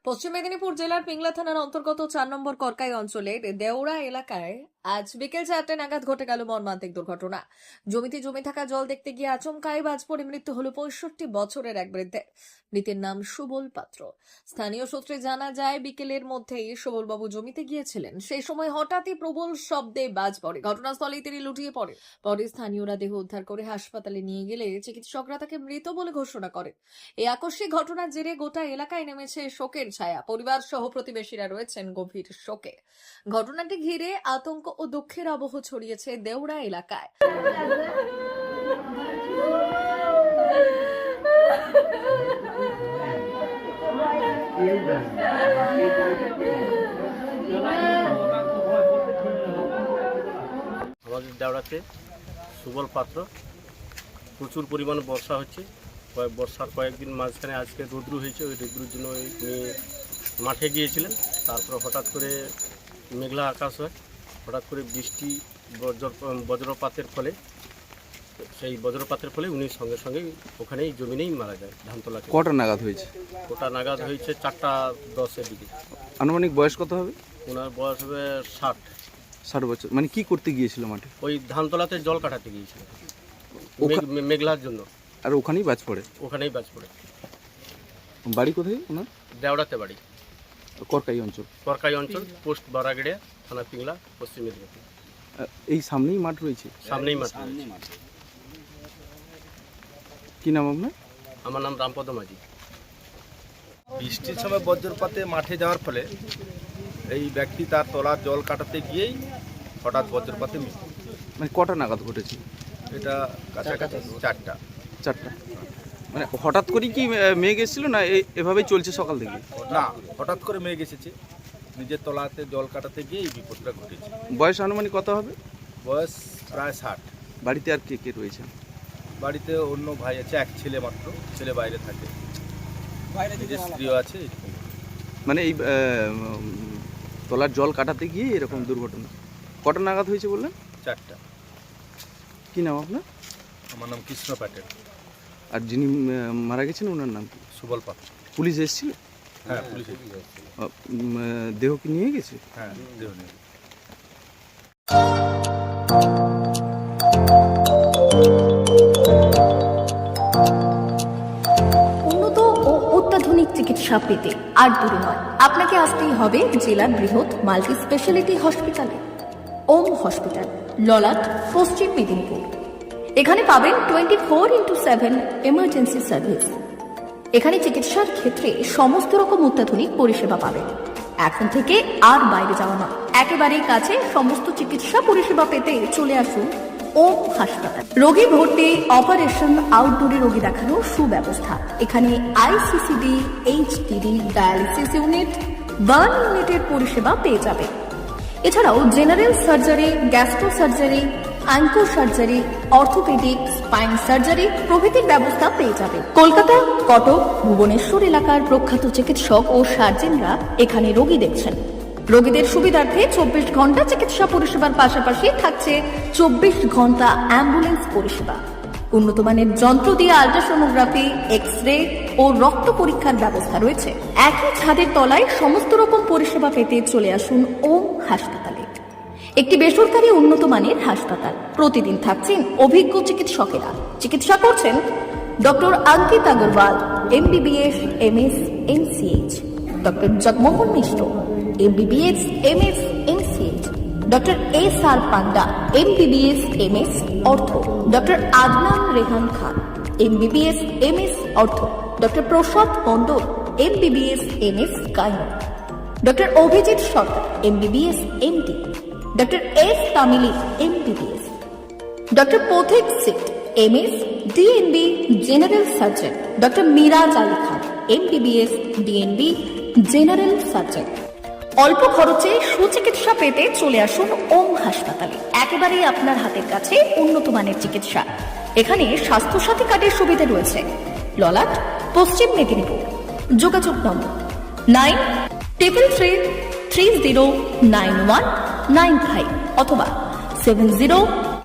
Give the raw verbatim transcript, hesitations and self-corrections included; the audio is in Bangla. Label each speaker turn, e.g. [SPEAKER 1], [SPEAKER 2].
[SPEAKER 1] পশ্চিম মেদিনীপুর জেলার পিংলা থানার অন্তর্গত চার নম্বর করকাই অঞ্চলের দেওড়া এলাকায় আজ বিকেল চারটে নাগাদ ঘটে গেল মর্মান্তিক দুর্ঘটনা। জমিতে জমে থাকা জল দেখতে গিয়ে আচমকাই বাজ পড়ে মৃত্যু হলো পঁয়ষট্টি বছরের এক বৃদ্ধের। মৃতের নাম সুবল পাত্র। স্থানীয় সূত্রে জানা যায়, বিকেলের মধ্যেই সুবলবাবু জমিতে গিয়েছিলেন। সেই সময় হঠাৎই প্রবল শব্দে বাজ পড়ে। ঘটনাস্থলেই তিনি লুটিয়ে পড়ে। পরে স্থানীয়রা দেহ উদ্ধার করে হাসপাতালে নিয়ে গেলে চিকিৎসকরা তাকে মৃত বলে ঘোষণা করেন। এই আকস্মিক ঘটনার জেরে গোটা এলাকায় নেমেছে শোকের ছায়া। পরিবার সহ প্রতিবেশীরা রয়েছেন গভীর শোকে। ঘটনাটি ঘিরে আতঙ্ক ও দুঃখের আবহ ছড়িয়েছে দেওড়া এলাকায়।
[SPEAKER 2] আমাদের দেওড়াতে সুবল পাত্র, প্রচুর পরিমাণে বর্ষা হচ্ছে। বর্ষার কয়েকদিন মাঝখানে আজকে রৌদ্র হয়েছে। ওই রৌদ্রের জন্য ওই মাঠে গিয়েছিলেন। তারপর হঠাৎ করে মেঘলা আকাশ হয়, হঠাৎ করে বৃষ্টি বজ্র বজ্রপাতের ফলে সেই বজ্রপাতের ফলে উনি সঙ্গে সঙ্গে ওখানেই জমিনেই মারা যায়। ধানতলা
[SPEAKER 3] কটা নাগাদ হয়েছে?
[SPEAKER 2] ওটা নাগাদ হয়েছে চারটা দশের দিকে।
[SPEAKER 3] আনুমানিক বয়স কত হবে?
[SPEAKER 2] ওনার বয়স হবে ষাট
[SPEAKER 3] ষাট বছর। মানে কি করতে গিয়েছিল মাঠে?
[SPEAKER 2] ওই ধানতলাতে জল কাটাতে গিয়েছিল মেঘলার জন্য।
[SPEAKER 3] আর ওখানেই বাজ পড়ে?
[SPEAKER 2] ওখানেই বাজ পড়ে।
[SPEAKER 3] বাড়ি কোথায় ওনার?
[SPEAKER 2] দেওড়াতে বাড়ি,
[SPEAKER 3] করকাই অঞ্চল।
[SPEAKER 2] করকাই অঞ্চল, পোস্ট বারাগড়িয়া, থানা পিংলা, পশ্চিম মেদিনীপুর।
[SPEAKER 3] এই সামনেই মাঠ রয়েছে?
[SPEAKER 2] সামনেই মাঠ।
[SPEAKER 3] কি নাম আপনার?
[SPEAKER 2] আমার নাম রামপদ মাঝি।
[SPEAKER 4] বৃষ্টির সময় বজ্রপাতে মাঠে যাওয়ার ফলে এই ব্যক্তি তার তলার জল কাটাতে গিয়েই হঠাৎ বজ্রপাতে মৃত্যু।
[SPEAKER 3] মানে কটা নাগাদ ঘটেছে
[SPEAKER 4] এটা কাছাকাছি চারটা
[SPEAKER 3] চারটা মানে হঠাৎ করেই কি মেঘ এসেছিল না এভাবেই চলছে সকাল থেকে?
[SPEAKER 4] না, হঠাৎ করে মেঘ এসেছে। নিজের তলাতে জল কাটাতে গিয়ে এই বিপদটা ঘটেছে।
[SPEAKER 3] বয়স আনুমানিক কত হবে?
[SPEAKER 4] বয়স প্রায় ষাট।
[SPEAKER 3] বাড়িতে আর কে কে রয়েছে?
[SPEAKER 4] বাড়িতে অন্য ভাই আছে, এক ছেলে মাত্র। ছেলে বাইরে থাকে, নিজের স্ত্রীও আছে।
[SPEAKER 3] মানে এই তলার জল কাটাতে গিয়ে এরকম দুর্ঘটনা। কটা নাগাদ হয়েছে বললেন?
[SPEAKER 4] চারটা।
[SPEAKER 3] কি নাম আপনার?
[SPEAKER 4] আমার নাম কৃষ্ণ প্যাটেল।
[SPEAKER 3] আর যিনি মারা গেছেন ওনার নাম কি?
[SPEAKER 4] সুবল পাত্র।
[SPEAKER 3] পুলিশ এসেছিল?
[SPEAKER 4] হ্যাঁ, পুলিশ
[SPEAKER 3] দেহ কি নিয়ে গেছে?
[SPEAKER 4] হ্যাঁ, দেহ নিয়ে।
[SPEAKER 5] উন্নত ও অত্যাধুনিক চিকিৎসা পেতে আর দূরে নয়, আপনাকে আসতেই হবে জেলার বৃহৎ মাল্টি স্পেশালিটি হসপিটালে। ওম হসপিটাল, ললাট, পশ্চিম মেদিনীপুর। এখানে পাবেন twenty four into seven emergency service. এখানে চিকিৎসার ক্ষেত্রে সমস্ত রকম অত্যাধুনিক পরিষেবা পাবেন। এখন থেকে আর বাইরে যাওয়া নয়, একেবারেই কাছে সমস্ত চিকিৎসা পরিষেবা পেতে চলে আসুন ওম হাসপাতাল। রোগী ভর্তি, অপারেশন, আউটডোরে রোগী দেখানোর সুব্যবস্থা। এখানে ICCD, HDD, dialysis unit, burn ইউনিটের পরিষেবা পেয়ে যাবে। এছাড়াও general surgery, gastro surgery, onco surgery, orthopaedic, spine surgery প্রভৃতির ব্যবস্থা পেয়ে যাবে। কলকাতা, কটক, ভুবনেশ্বর এলাকার প্রখ্যাত চিকিৎসক ও সার্জেনরা এখানে রোগী দেখছেন। রোগীদের সুবিধার্থে চব্বিশ ঘন্টা চিকিৎসা পরিষেবার পাশাপাশি থাকছে চব্বিশ ঘন্টা অ্যাম্বুলেন্স পরিষেবা। উন্নত মানের যন্ত্র দিয়ে আল্ট্রাসোনোগ্রাফি, এক্স রে ও রক্ত পরীক্ষার ব্যবস্থা রয়েছে। একই ছাদের তলায় সমস্ত রকম পরিষেবা পেতে চলে আসুন ওম হাসপাতালে। একটি বেসরকারি উন্নত মানের হাসপাতাল। প্রতিদিন থাকছেন অভিজ্ঞ চিকিৎসকেরা। চিকিৎসা করছেন doctor Ankit Agarwal, MBBS, MS, MCh, doctor Jagmohan Mishra, MBBS, MS, MCh, doctor S R Panda, MBBS, MS, ortho, doctor Adnan Rehan Khan, MBBS, MS, ortho, doctor Prasad Mondal, MBBS, MS, gynae, doctor Abhijit Sarkar, MBBS, MD, doctor S Tamili, MBBS, doctor Pathik Sit, MS, DNB, general surgeon, doctor Miraj Ali Khan, MBBS, DNB, general surgeon. অল্প খরচে সুচিকিৎসা পেতে চলে আসুন ওম হাসপাতালে। একেবারেই আপনার হাতের কাছে উন্নত মানের চিকিৎসা। এখানে স্বাস্থ্যসাথী কার্ডের সুবিধা রয়েছে। ললাট, পশ্চিম মেদিনীপুর। যোগাযোগ number nine triple three three zero nine one nine five অথবা সেভেন জিরো